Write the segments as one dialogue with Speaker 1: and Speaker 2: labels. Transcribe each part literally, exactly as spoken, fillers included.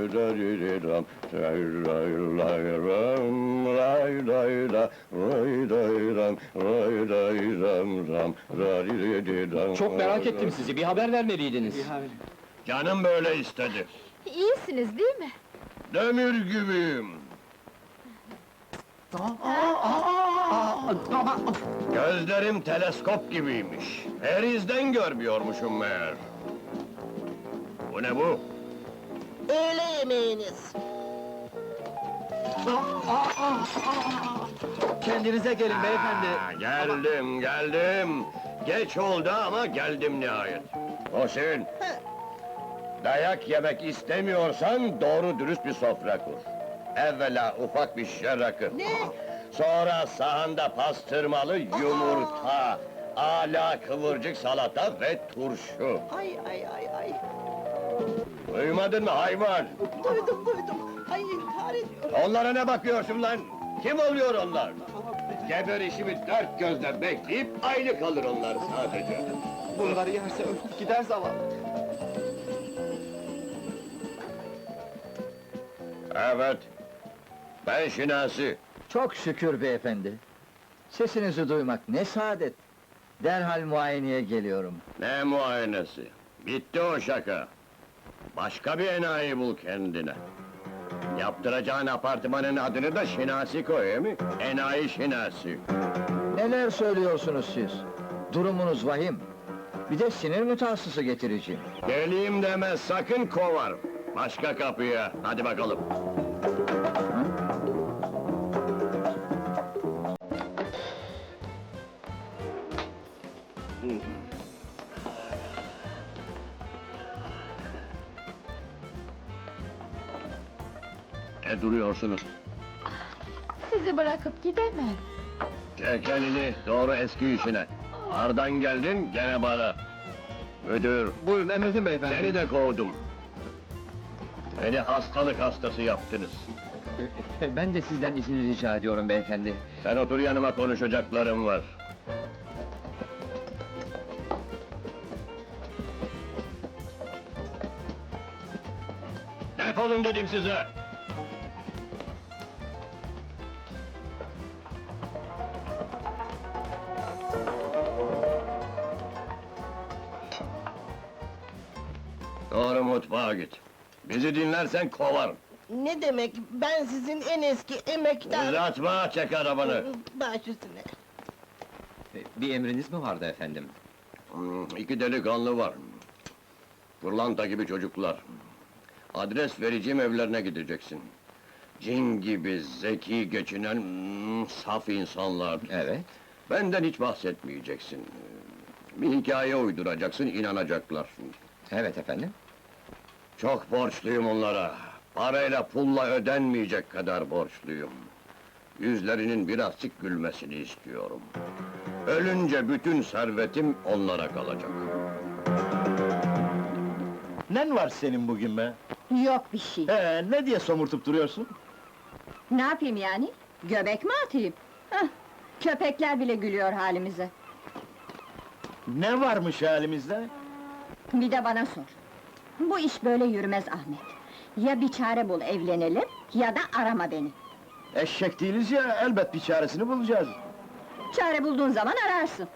Speaker 1: Çok merak ettim sizi, bir haber vermeliydiniz.
Speaker 2: Canım böyle istedi.
Speaker 3: İyisiniz değil mi?
Speaker 2: Demir gibiyim. Gözlerim teleskop gibiymiş. Perizden görmüyormuşum meğer. Bu ne bu?
Speaker 4: Öğle yemeğiniz.
Speaker 1: Kendinize gelin beyefendi.
Speaker 2: Aa, geldim, geldim. Geç oldu ama geldim nihayet. Hoşin, dayak yemek istemiyorsan doğru dürüst bir sofra kur. Evvela ufak bir şişe rakı.
Speaker 4: Ne?
Speaker 2: Sonra sahanda pastırmalı yumurta, âlâ kıvırcık salata ve turşu.
Speaker 4: Ay ay ay ay.
Speaker 2: Duymadın mı hayvan?
Speaker 4: Duydum duydum. Ay intihar ediyorum.
Speaker 2: Onlara ne bakıyorsun lan? Kim oluyor onlar? Geber işimi dört gözle bekleyip aynı kalır onlar sadece.
Speaker 1: Bunları yerse ölüp gider zavallı.
Speaker 2: Evet, ben Şinasi.
Speaker 5: Çok şükür beyefendi. Sesinizi duymak ne saadet. Derhal muayeneye geliyorum.
Speaker 2: Ne muayenesi? Bitti o şaka. Başka bir enayi bul kendine. Yaptıracağın apartmanın adını da Şinasi koy, he mi? Enayi Şinasi.
Speaker 5: Neler söylüyorsunuz siz? Durumunuz vahim. Bir de sinir mütehassısı getireceğim.
Speaker 2: Geleyim deme, sakın kovar. Başka kapıya, hadi bakalım. Ne duruyorsunuz?
Speaker 3: Sizi bırakıp gidemem.
Speaker 2: Çek elini, doğru eski işine. Ardan geldin, gene bana. Müdür,
Speaker 1: Buyurun emredin beyefendi.
Speaker 2: seni de kovdum. Beni hastalık hastası yaptınız.
Speaker 1: Ben de sizden izin rica ediyorum beyefendi.
Speaker 2: Sen otur yanıma, konuşacaklarım var. Defolun dedim size! Doğru mutfağa git. Bizi dinlersen kovarım.
Speaker 4: Ne demek? Ben sizin en eski emektar...
Speaker 2: Uzatma, çek arabanı!
Speaker 4: Baş üstüne.
Speaker 1: Bir emriniz mi vardı efendim?
Speaker 2: Hmm, İki delikanlı var. Pırlanta gibi çocuklar. Adres vereceğim evlerine gideceksin. Cin gibi zeki geçinen hmm, saf insanlar.
Speaker 1: Evet.
Speaker 2: Benden hiç bahsetmeyeceksin. Bir hikaye uyduracaksın, inanacaklar.
Speaker 1: Evet efendim.
Speaker 2: Çok borçluyum onlara. Parayla pulla ödenmeyecek kadar borçluyum. Yüzlerinin birazcık gülmesini istiyorum. Ölünce bütün servetim onlara kalacak.
Speaker 6: Nen var senin bugün be?
Speaker 7: Yok bir şey.
Speaker 6: He, ne diye somurtup duruyorsun?
Speaker 7: Ne yapayım yani? Göbek mi atayım? Hah, köpekler bile gülüyor halimize.
Speaker 6: Ne varmış halimizde?
Speaker 7: Bir de bana sor. Bu iş böyle yürümez Ahmet. Ya bir çare bul evlenelim, ya da arama beni.
Speaker 6: Eşek değiliz ya, elbet bir çaresini bulacağız.
Speaker 7: Çare bulduğun zaman ararsın.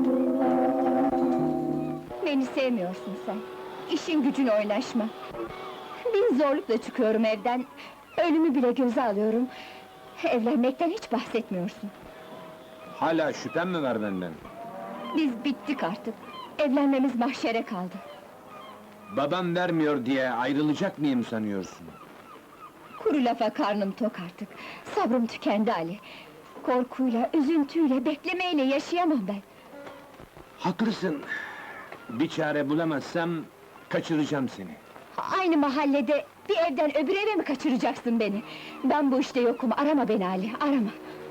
Speaker 7: Beni sevmiyorsun sen. İşin gücün oynaşma. Bin zorlukla çıkıyorum evden. Ölümü bile göze alıyorum. Evlenmekten hiç bahsetmiyorsun.
Speaker 8: Hala şüphen mi var benden?
Speaker 7: Biz bittik artık. Evlenmemiz mahşere kaldı.
Speaker 8: Babam vermiyor diye ayrılacak mıyım sanıyorsun?
Speaker 7: Kuru lafa karnım tok artık. Sabrım tükendi Ali. Korkuyla, üzüntüyle, beklemeyle yaşayamam ben.
Speaker 8: Haklısın. Bir çare bulamazsam kaçıracağım seni.
Speaker 7: Aynı mahallede bir evden öbür eve mi kaçıracaksın beni? Ben bu işte yokum, arama beni Ali, arama!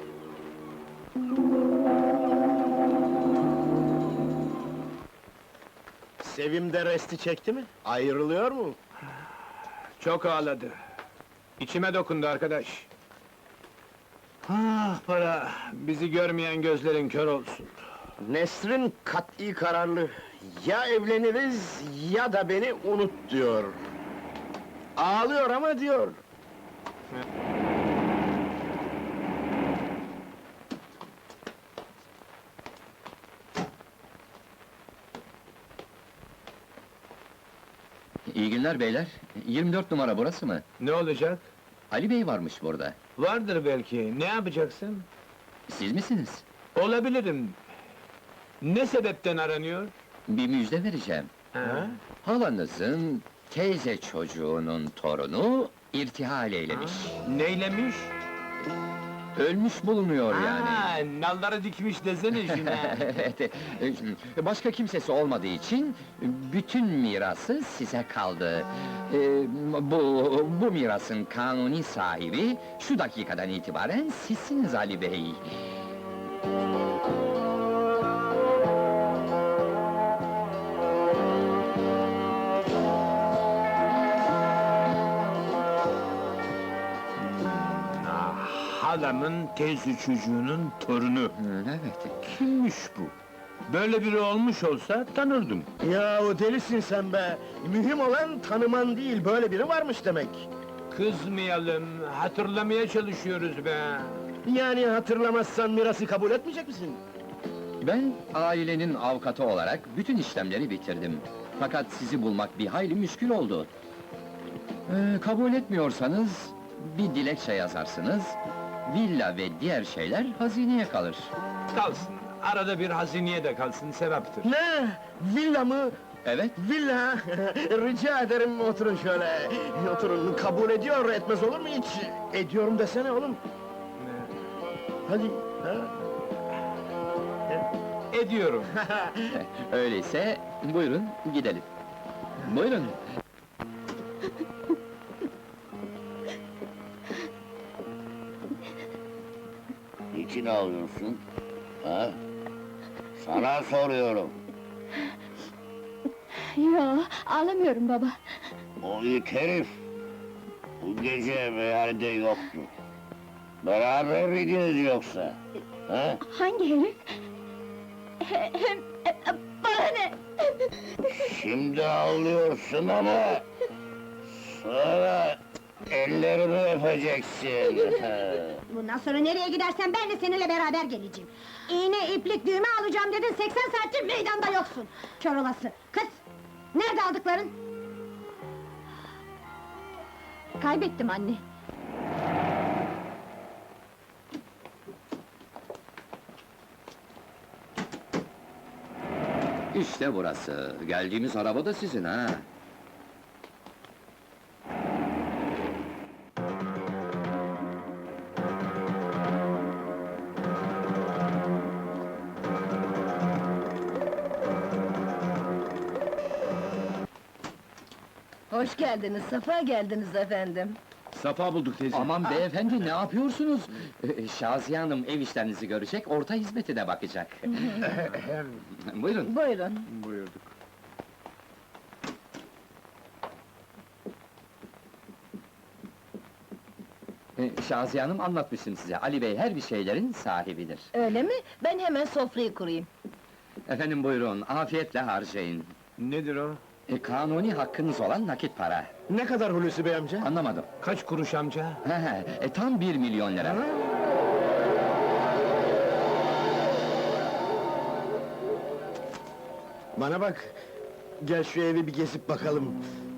Speaker 6: Sevim de resti çekti mi? Ayrılıyor mu?
Speaker 8: Çok ağladı. İçime dokundu arkadaş. Ah para, bizi görmeyen gözlerin kör olsun.
Speaker 6: Nesrin kat'i kararlı. Ya evleniriz, ya da beni unut diyor. Ağlıyor ama diyor.
Speaker 1: İyi günler beyler. yirmi dört numara burası mı?
Speaker 8: Ne olacak?
Speaker 1: Ali Bey varmış burada.
Speaker 8: Vardır belki. Ne yapacaksın?
Speaker 1: Siz misiniz?
Speaker 8: Olabilirim. Ne sebepten aranıyor?
Speaker 1: Bir müjde vereceğim.
Speaker 8: Ha?
Speaker 1: Halanızın teyze çocuğunun torunu irtihal eylemiş.
Speaker 8: Neylemiş?
Speaker 1: Ölmüş bulunuyor yani.
Speaker 8: Ha, nalları dikmiş desene şuna.
Speaker 1: Evet, e, başka kimsesi olmadığı için bütün mirası size kaldı. E, bu bu mirasın kanuni sahibi şu dakikadan itibaren sizsiniz Ali Bey.
Speaker 8: Ah, halamın teyze çocuğunun torunu.
Speaker 1: Hı, evet.
Speaker 8: Kimmiş bu? Böyle biri olmuş olsa tanırdım.
Speaker 6: Ya o delisin sen be! Mühim olan tanıman değil, böyle biri varmış demek.
Speaker 8: Kızmayalım, hatırlamaya çalışıyoruz be.
Speaker 6: Yani hatırlamazsan mirası kabul etmeyecek misin?
Speaker 1: Ben ailenin avukatı olarak bütün işlemleri bitirdim. Fakat sizi bulmak bir hayli müşkül oldu. Ee, kabul etmiyorsanız bir dilekçe yazarsınız. Villa ve diğer şeyler hazineye kalır.
Speaker 8: Kalsın, arada bir hazineye de kalsın, sevaptır.
Speaker 6: Ne? Villa mı?
Speaker 1: Evet,
Speaker 6: Villa! Rica ederim oturun şöyle. Oturun, kabul ediyor, etmez olur mu hiç? Ediyorum desene oğlum. Hadi, ha?
Speaker 8: Ediyorum.
Speaker 1: öyleyse buyurun gidelim. Buyurun.
Speaker 2: Niçin ağlıyorsun? Ha? Sana soruyorum.
Speaker 7: Yo, ağlamıyorum baba.
Speaker 2: O it herif bu gece meyhanede yoktu. Beraber miydiniz yoksa? Ha?
Speaker 7: Hangi herif? He- Hem, e, bana ne?
Speaker 2: Şimdi ağlıyorsun ama sonra ellerimi öpeceksin.
Speaker 9: Bundan sonra nereye gidersen ben de seninle beraber geleceğim. İğne, iplik, düğme alacağım dedin, seksen saattir meydanda yoksun! Kör olası! Kız! Nerede aldıkların?
Speaker 3: Kaybettim anne.
Speaker 1: İşte burası. Geldiğimiz araba da sizin ha.
Speaker 4: Hoş geldiniz, safa geldiniz efendim.
Speaker 8: Safa bulduk teyze.
Speaker 1: Aman beyefendi ne yapıyorsunuz? Ee, Şaziye Hanım ev işlerinizi görecek, orta hizmeti de bakacak. Buyurun.
Speaker 4: Buyurun.
Speaker 8: Buyurduk.
Speaker 1: Ee, Şaziye Hanım anlatmıştım size, Ali Bey her bir şeylerin sahibidir.
Speaker 4: Öyle mi? Ben hemen sofrayı kurayım.
Speaker 1: Efendim buyurun, afiyetle harcayın.
Speaker 8: Nedir o?
Speaker 1: E, kanuni hakkınız olan nakit para.
Speaker 6: Ne kadar Hulusi Bey amca?
Speaker 1: Anlamadım.
Speaker 8: Kaç kuruş amca?
Speaker 1: He he, e, tam bir milyon lira.
Speaker 6: Bana bak, gel şu evi bir gezip bakalım.